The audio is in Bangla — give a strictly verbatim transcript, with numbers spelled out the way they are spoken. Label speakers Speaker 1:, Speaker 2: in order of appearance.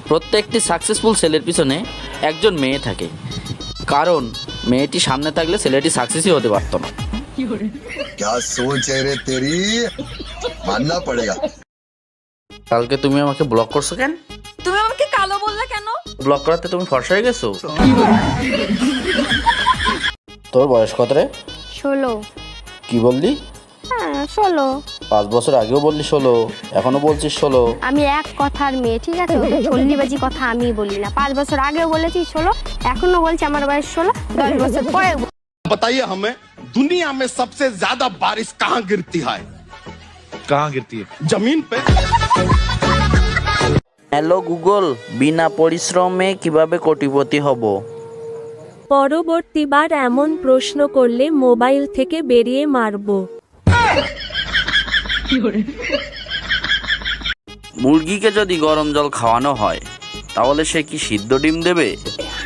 Speaker 1: প্রত্যেকটি সাকসেসফুল ছেলের পিছনে একজন মেয়ে থাকে, কারণ মেয়েটি সামনে থাকলে ছেলেটি সাকসেসই হতে পারত না।
Speaker 2: क्या सोच है रे तेरी, मानना पड़ेगा।
Speaker 1: কালকে তুমি আমাকে ব্লক করছো কেন?
Speaker 3: তুমি আমাকে কালো বললে কেন?
Speaker 1: ব্লক করাতে তুমি ফর্সা হয়ে গেছো? তোর বয়স কত রে?
Speaker 4: ষোলো।
Speaker 1: কি বললি?
Speaker 4: হ্যাঁ ষোলো।
Speaker 1: পাঁচ বছর আগেও বললি ষোলো, এখনো বলছিস ষোলো।
Speaker 4: আমি এক কথার মেয়ে, ঠিক আছে? চল্লিবাজি কথা আমি বলি না। পাঁচ বছর আগেও বলেছি ষোলো, এখনো বলছি আমার বয়স ষোলো। দশ বছর পরে
Speaker 5: बताइए हमें, दुनिया में सबसे ज्यादा बारिश कहाँ गिरती है?
Speaker 6: कहाँ गिरती है?
Speaker 5: जमीन पे।
Speaker 1: হ্যালো গুগল, বিনা পরিশ্রমে কিভাবে কোটিপতি হব?
Speaker 7: পরবর্তীবার এমন প্রশ্ন করলে মোবাইল থেকে বেরিয়ে মারবো।
Speaker 1: মুরগিকে যদি গরম জল খাওয়ানো হয় তাহলে সে কি সিদ্ধ ডিম দেবে?